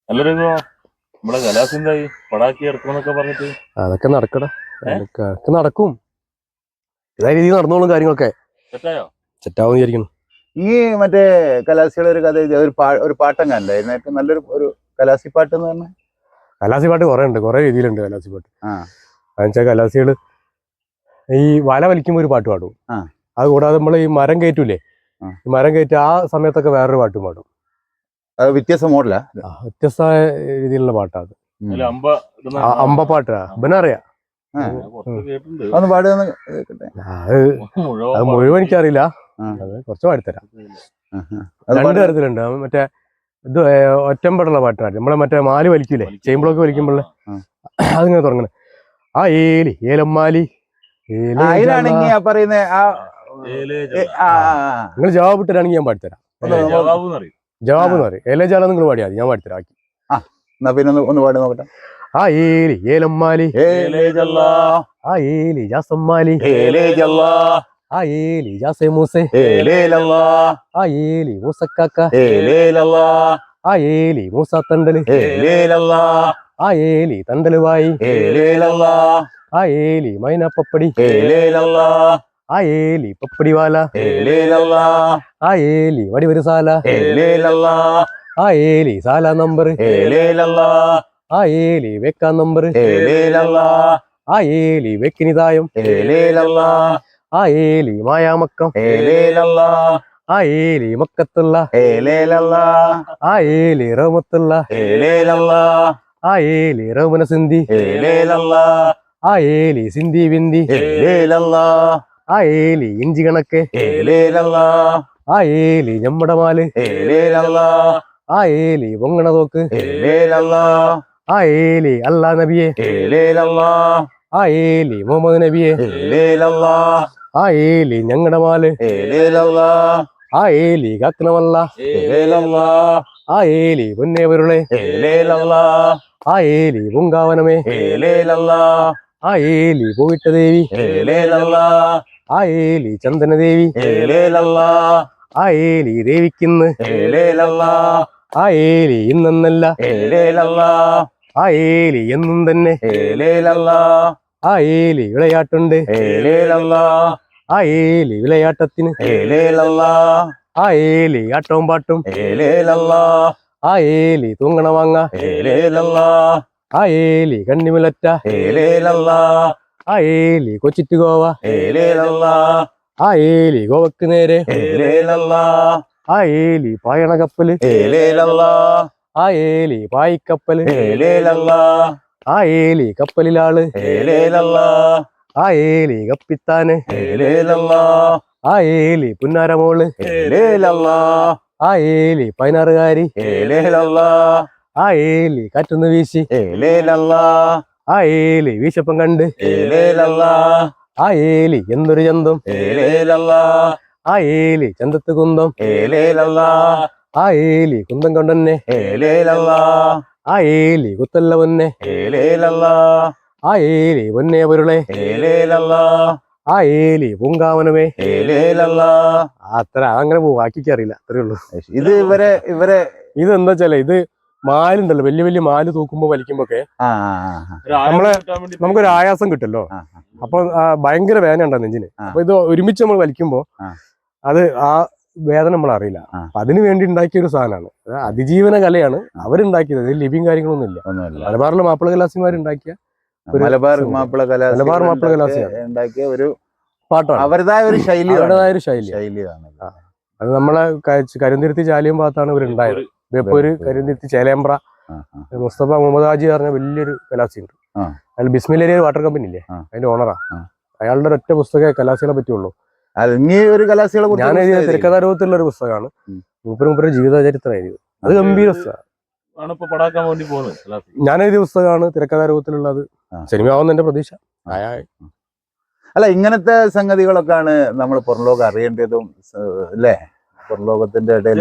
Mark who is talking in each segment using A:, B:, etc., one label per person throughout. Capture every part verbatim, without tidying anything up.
A: നല്ലൊരു നമ്മളെ കലാസിന്തായി പടാക്കി ഇറക്കണമെന്നൊക്കെ പറഞ്ഞിട്ട്
B: അതൊക്കെ നടക്കടാ, അതൊക്കെ നടക്കും. ഇതായ രീതിയിൽ നടന്നോളും കാര്യങ്ങളൊക്കെ.
A: സെറ്റായോ?
B: സെറ്റാവും വിചാരിക്കുന്നു.
C: ഈ മറ്റേ കലാസിയുടെ ഒരു കഥ ഒരു പാ ഒരു പാട്ടങ്ങാണ്ടായിരുന്നു ഏറ്റവും നല്ലൊരു ഒരു കലാസി പാട്ട് എന്ന് പറഞ്ഞാൽ.
B: കലാസി പാട്ട് കുറെ ഉണ്ട്, കുറെ രീതിയിലുണ്ട് കലാസി പാട്ട്.
C: ആ
B: എന്നുവെച്ചാൽ കലാസികള് ഈ വല വലിക്കുമ്പോൾ ഒരു പാട്ട് പാടും.
C: ആ
B: അത് കൂടാതെ നമ്മൾ ഈ മരം കയറ്റൂലേ, ഈ മരം കയറ്റി ആ സമയത്തൊക്കെ വേറൊരു പാട്ടും പാടും.
C: അത് വ്യത്യസ്ത മോഡലാ,
B: വ്യത്യസ്തമായ രീതിയിലുള്ള പാട്ടാണ്.
A: അമ്പ
B: അമ്പപ്പാട്ടാ ഇവനറിയാം.
C: ഒന്ന് പാടുക കേട്ടെ.
B: അത് മുഴുവൻ എനിക്കറിയില്ല, അത് കുറച്ച് പാടിത്തരാം. രണ്ട് തരത്തിലുണ്ട്. മറ്റേ ഇത് ഒറ്റമ്പടുള്ള പാട്ടാണ്. നമ്മളെ മറ്റേ മാലി വലിക്കൂലേ, ചെയിൻ ബ്ലോക്ക് വലിക്കുമ്പോൾ അതിങ്ങനെ തുടങ്ങണേ. ആ ഏലി ഏലമ്മാലി
C: പറയുന്ന
B: നിങ്ങൾ ജവാബ് ഇട്ടാണെങ്കിൽ ഞാൻ പാടിത്തരാം. ജവാബ് എന്ന് പറയും. ഏലേ ജാല നിങ്ങൾ പാടിയാൽ മതി, ഞാൻ പാടിത്തരാം.
C: എന്നാ പിന്നെ ഒന്ന് പാടി നോക്കട്ടെ.
B: ആ ഏലി ഏലമ്മാലി ആ ഏലി ജാസമ്മാലി ആ ഏലി ജാസേ മൂസേ ആ ഏലി മൂസക്കാക്ക ആ ഏലി മൂസ തണ്ടല് ആ ഏലി തണ്ടല് വായി ആ ഏലി മൈന പപ്പടി ആ ഏലി പപ്പടി വാല ആ ഏലി വടിവരുസാല ആ ഏലി സാല നമ്പർ ആ ഏലി വെക്കാൻ നമ്പർ ആ ഏലി വെക്കിനിതായം ആ ഏലി മായാമക്കം ആ ഏലി മക്കത്തുള്ള ആ ഏലി റഹ്മത്തുള്ള ആ ഏലി റഹ്മന സിന്ധി ആ ഏലി സിന്ധി ബിന്ദി ആ ഏലി ഇഞ്ചി കണക്ക് ആ ഏലി ഞമ്മടെ മാല് ആ ഏലി പൊങ്ങണ തോക്ക് ആ ഏലി അല്ലാ നബിയെ ആ ഏലി മുഹമ്മദ് നബിയെ ആ ഏലി ഞങ്ങടെ മാല് ആ ഏലി കാക്കണമല്ല ആ ഏലി പൊന്നേവരുളെ ആ ഏലി പൂങ്കാവനമേ ആ ഏലി പോയിട്ട ദേവി ആ ഏലി ചന്ദനദേവി ആ ഏലി ദേവിക്കിന്ന് ആ ഏലി ഇന്നല്ല ആ ഏലി എന്നും തന്നെ ആ ഏലി വിളയാട്ടുണ്ട് ആ ഏലി വിളയാട്ടത്തിന് ആ ഏലി ആട്ടവും പാട്ടും ആ ഏലി തൂങ്ങണ വാങ്ങ ആ ഏലി കണ്ണിമുലറ്റ ആ ഏലി കൊച്ചിറ്റ് ഗോവ ആ ഏലി ഗോവക്ക് നേരെ ആ ഏലി പായണ കപ്പല് ആ ഏലി പായിക്കപ്പല് ആ ഏലി കപ്പലിലാള് ആ ഏലി കപ്പിത്താന് ആ ഏലി പുന്നാരമോള് ആ ഏലി പതിനാറുകാരി ആ ഏലി കാറ്റുന്ന് വീശി ആ ഏലി വീശപ്പം കണ്ട് ആ ഏലി എന്തൊരു ചന്തം ആ ഏലി ചന്തത്ത് കുന്തം ആ ഏലി കുന്തം കൊണ്ടന്നെ ആ ഏലി കുത്തല്ല പൊന്നെ ആ ഏലി പൊന്നെ പൊരുളെ ആ ഏലി പൂങ്കാവനമേ അത്ര അങ്ങനെ പോകും, ബാക്കിക്കറിയില്ല, അത്രേ ഉള്ളൂ.
C: ഇത് ഇവരെ ഇവരെ
B: ഇത് എന്താ വെച്ചാലേ, ഇത് മാലുണ്ടല്ലോ, വലിയ വലിയ മാല് തൂക്കുമ്പോ വലിക്കുമ്പോക്കെ നമ്മളെ നമുക്കൊരു ആയാസം കിട്ടല്ലോ. അപ്പൊ ഭയങ്കര വേദന ഉണ്ടാവും നെഞ്ചിന്. അപ്പൊ ഇത് ഒരുമിച്ച് നമ്മൾ വലിക്കുമ്പോ അത് ആ വേദന നമ്മൾ അറിയില്ല. അപ്പൊ അതിനു വേണ്ടി ഉണ്ടാക്കിയ ഒരു സാധനമാണ്. അതിജീവന കലയാണ് അവരുണ്ടാക്കിയത്. ഇതിൽ ലിപിയും കാര്യങ്ങളൊന്നും ഇല്ല. മലബാറിലെ മാപ്പിള കലാസിമാരുണ്ടാക്കിയ
C: മലബാർ മാപ്പിള കലാ
B: മലബാർ മാപ്പിള കലാസി
C: ഉണ്ടാക്കിയ ഒരു
B: പാട്ടാണ്.
C: അവരുടേതായ ഒരു ശൈലി,
B: അവരുടേതായ ഒരു ശൈലി
C: ശൈലിയാണ്.
B: അത് നമ്മളെ കരുന്തിരുത്തി ചാലിയം ഭാഗത്താണ് ഇവരുണ്ടായത്. ബേപ്പൂര് കരുന്തിരുത്തി ചേലേമ്പ്ര മുസ്തഫ മുഹമ്മദ് ഹാജി പറഞ്ഞ വലിയൊരു കലാസി ഉണ്ട്. അതിൽ ബിസ്മിലേരിയ വാട്ടർ കമ്പനി ഇല്ലേ, അതിന്റെ ഓണറാ. അയാളുടെ ഒറ്റ പുസ്തകമേ കലാസികളെ പറ്റിയുള്ളൂ.
C: ഒരു കലാസികളെ
B: ഞാൻ എഴുതിയ തിരക്കഥാരൂപത്തിലുള്ള ഒരു പുസ്തകമാണ്. മൂപ്പര് മൂപ്പര് ജീവിതചരിത്രം എഴുതിയത്. അത് ഗംഭീര പുസ്തകമാണ്. ഞാൻ എഴുതിയ പുസ്തകമാണ് തിരക്കഥാരൂപത്തിലുള്ളത്. സിനിമയാവുന്ന എന്റെ പ്രതീക്ഷ.
C: അല്ല, ഇങ്ങനത്തെ സംഗതികളൊക്കെയാണ് നമ്മൾ പുറംലോകം അറിയേണ്ടതും അല്ലേ? പുറംലോകത്തിന്റെ ഇടയിൽ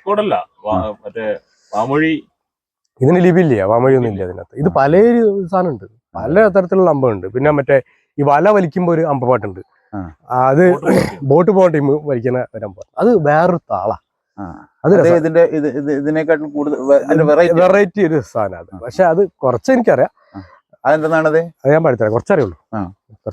B: ഇതിന് ലിപിയില്ല, വാമൊഴി ഒന്നും ഇല്ല അതിനകത്ത്. ഇത് പല സാധനം ഉണ്ട്, പല തരത്തിലുള്ള അമ്പുണ്ട്. പിന്നെ മറ്റേ ഈ വല വലിക്കുമ്പോ ഒരു അമ്പപ്പാട്ടുണ്ട്. അത് ബോട്ട് പോകേണ്ട ടീം വലിക്കുന്ന ഒരു അമ്പ. അത് വേറൊരു താളാ. അത്
C: അത് ഇതിന്റെ ഇത് ഇത് ഇതിനെക്കാട്ടും കൂടുതൽ ഇതിന്റെ വെറൈറ്റി
B: വെറൈറ്റി ഒരു സാധനം അത്. പക്ഷെ അത് കുറച്ച് എനിക്കറിയാം.
C: അതെന്താണത്?
B: അത് ഞാൻ പഠിത്തരാം, കുറച്ചറിയുള്ളൂ.